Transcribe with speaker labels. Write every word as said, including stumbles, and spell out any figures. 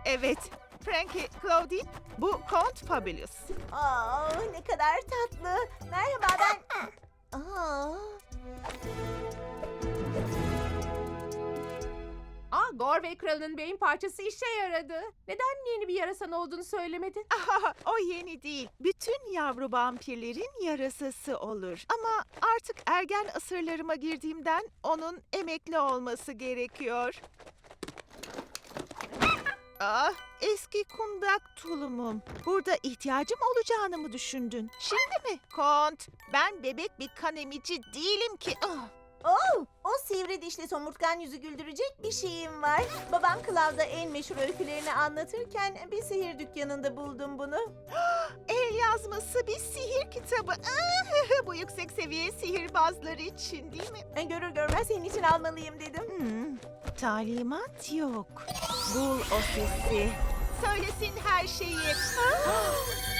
Speaker 1: Evet, Frankie, Claudine, bu Count Fabulous.
Speaker 2: Aa, ne kadar tatlı. Merhaba ben... Aa,
Speaker 3: Aa, Gorway kralının beyin parçası işe yaradı. Neden yeni bir yarasan olduğunu söylemedin?
Speaker 1: Aha, o yeni değil. Bütün yavru vampirlerin yarasası olur. Ama artık ergen asırlarıma girdiğimden onun emekli olması gerekiyor. Ah, eski kundak tulumum. Burada ihtiyacım olacağını mı düşündün? Şimdi mi? Kont, ben bebek bir kan emici değilim ki. Ah.
Speaker 2: oh, o sivri dişli somurtkan yüzü güldürecek bir şeyim var. Babam Cloud'a en meşhur öykülerini anlatırken bir sihir dükkanında buldum bunu.
Speaker 1: El yazması bir sihir kitabı. Ah, bu yüksek seviye sihirbazları için değil mi?
Speaker 2: E, Görür görmez senin için almalıyım dedim.
Speaker 1: Hmm, talimat yok. Bul o sesi. Söylesin her şeyi. Ah!